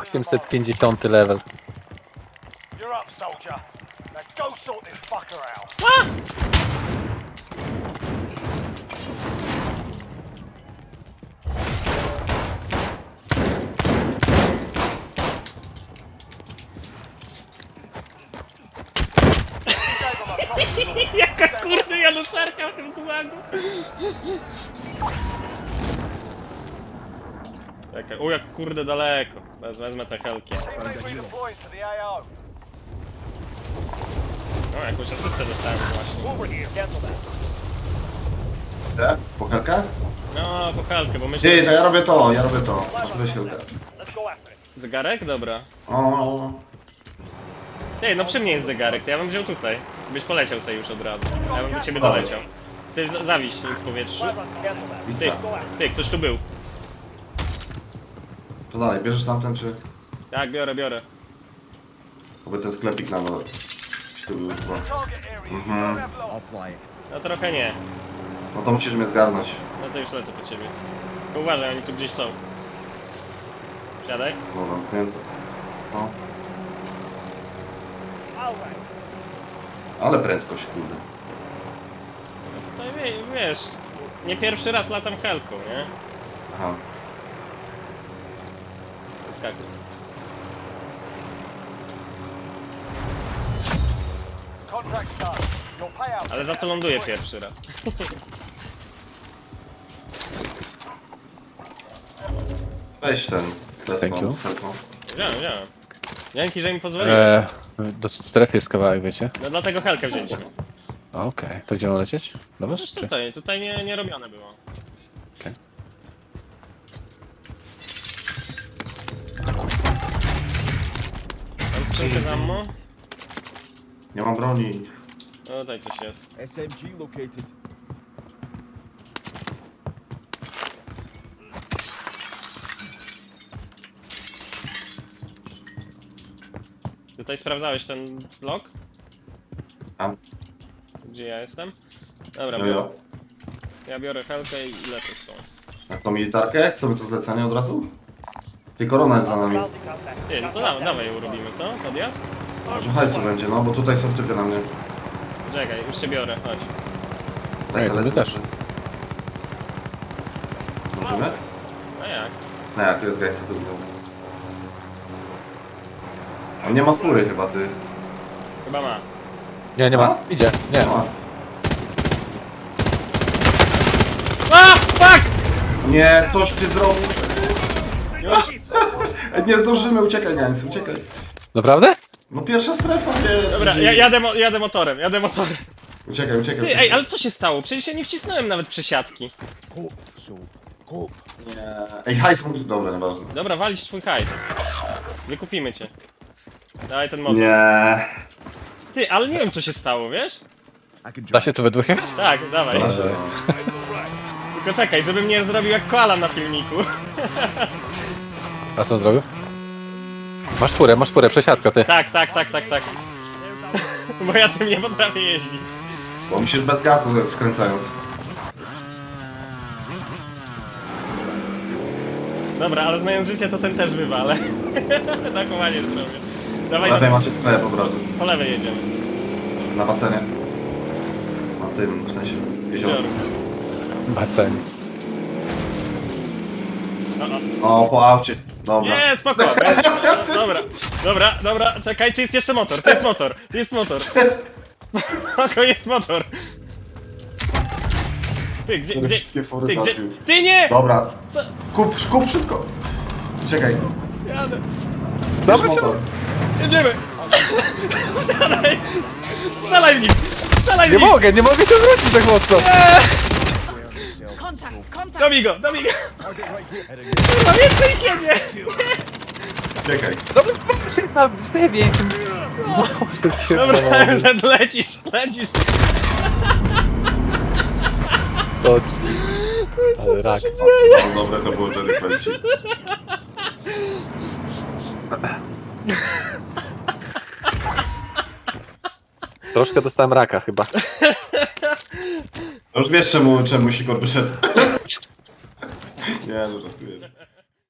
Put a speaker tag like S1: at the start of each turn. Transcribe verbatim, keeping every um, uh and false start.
S1: osiemset pięćdziesiąty level.
S2: You're up, soldier. Now go sort this fucker out.
S3: Jaka kurde januszarka w tym gułagu. Jaka, u jak kurde daleko. Wez- Wezmę te helki.
S2: Teammates redeploying to the A O.
S3: No jakąś asystę dostałem właśnie.
S2: Forward here, gentlemen.
S4: E? Po helkę?
S3: No, po helkę, bo myślę...
S4: Ty, to ja robię to, ja robię to. Weź helkę.
S2: Let's go after it.
S3: Zegarek? Dobra.
S4: O, o, o.
S3: Ty, no przy mnie jest zegarek, to ja bym wziął tutaj. Byś poleciał sobie już od razu. Ja bym do ciebie doleciał. Ty za- zawiś w powietrzu.
S2: Gentlemen.
S3: Ty,
S4: Isa.
S3: ty, ktoś tu był.
S4: To dalej, bierzesz tamten czy...
S3: Tak, biorę, biorę.
S4: Oby ten sklepik nam... Czy tu był chyba.
S2: Target area. You
S4: Mhm.
S2: don't have long.
S3: No trochę nie.
S4: No to musisz mnie zgarnąć.
S3: No to już lecę po ciebie. Tylko uważaj, oni tu gdzieś są. Siadaj.
S4: No zamknięto. No.
S2: All right.
S4: Ale prędkość, kurde.
S3: No tutaj wie, wiesz, nie pierwszy raz latam helką, nie?
S4: Aha.
S3: Skakuj.
S2: Contract's done. Your payout.
S3: Ale za to ląduję pierwszy raz.
S4: Weź ten.
S1: Thank you.
S4: Desmond z helką.
S3: Wziąłem, wziąłem. Dzięki, że mi pozwoliłeś.
S1: Eee, do strefy jest kawałek, wiecie?
S3: No dlatego helkę wzięliśmy.
S1: Okej, to gdzie mam lecieć? Do was,
S3: Przecież
S1: czy?
S3: tutaj, tutaj nie, nie robione było.
S1: Okej.
S3: Mam skrzynkę z ammo.
S4: Nie mam broni.
S3: No tutaj coś jest.
S5: S M G located.
S3: Tutaj sprawdzałeś ten blok?
S4: Tam.
S3: Gdzie ja jestem? Dobra,
S4: Jo,
S3: biorę,
S4: jo.
S3: ja biorę helkę i lecę stąd.
S4: Jak tą militarkę? Chcemy to zlecenie od razu? Ty, korona jest za nami.
S3: Ty, no to da, dawaj ją robimy, co? Podjazd?
S4: Może hajsu będzie, no bo tutaj są typy na mnie.
S3: Czekaj, już cię biorę, chodź.
S4: Lecę,
S1: to my
S4: lecę,
S1: też.
S4: lecę. Możemy?
S3: A jak?
S4: No jak, to jest gangsta, to był. On nie ma fury chyba, ty.
S3: Chyba ma.
S1: Nie, nie ma.
S4: A?
S1: Idzie, nie.
S4: Nie ma.
S3: A! Fuck!
S4: Nie, coś ty zrobił.
S3: Już?
S4: Nie zdążymy, uciekaj, Niańcy, uciekaj.
S1: Naprawdę?
S4: No pierwsza strefa, nie.
S3: Dobra, ja, jadę, mo jadę motorem, jadę motorem.
S4: Uciekaj, uciekaj.
S3: Ty,
S4: uciekaj.
S3: ej, ale co się stało? Przecież ja nie wcisnąłem nawet przesiadki.
S5: Cope, so. Cope.
S4: Nie. Ej, hajs mógł... Dobra, nieważne.
S3: Dobra, walić twój hajt. Wykupimy cię. Dawaj ten motor.
S4: Nie.
S3: Ty, ale nie wiem co się stało, wiesz?
S5: I can
S1: Da
S5: drive.
S1: się to we dwóch?
S3: Tak, dawaj.
S4: Proszę.
S3: Tylko czekaj, żebym nie zrobił jak koala na filmiku.
S1: A co on zrobił? Masz furę, masz furę, przesiadka ty.
S3: Tak, tak, tak, tak, tak. Bo ja tym nie potrafię jeździć.
S4: Bo musisz bez gazu skręcając.
S3: Dobra, ale znając życie to ten też wywalę. Takowanie zrobię. Dawaj,
S4: Lepiej
S3: na,
S4: macie sklep od razu.
S3: po lewej jedziemy.
S4: Na basenie. Na tym, w sensie, jezioro.
S3: Jezioro.
S1: Basen.
S3: O, o.
S4: O, po aucie. Dobra.
S3: Nie, spoko. będzie. Dobra, dobra, dobra, czekaj, czy jest jeszcze motor? To jest motor, to jest motor. Spoko, jest motor. Ty, gdzie,
S4: Żeby
S3: gdzie,
S4: wszystkie fury
S3: ty, gdzie,
S4: załatwił.
S3: ty nie!
S4: Dobra.
S3: Co?
S4: Kup, kup szybko. Czekaj.
S3: Jadę.
S4: Bierz
S1: Dobra,
S4: motor.
S3: Jedziemy! Strzelaj! Strzelaj w nim! Strzelaj w
S1: Nie
S3: nim!
S1: mogę, nie mogę się wrócić tak mocno.
S6: Contact, contact.
S3: Dobij go, dobij go! Kurwa, więcej ich jedzie!
S4: Czekaj.
S1: Dobra, proszę na drzewie. Boże, się
S3: Dobra,
S1: powoli.
S3: Zed, lecisz, lecisz!
S1: To ale rak.
S4: No, dobre to było, że kręci.
S1: Troszkę dostałem raka chyba.
S4: No już wiesz czemu, czemu Sikor wyszedł. Nie, no żartuję.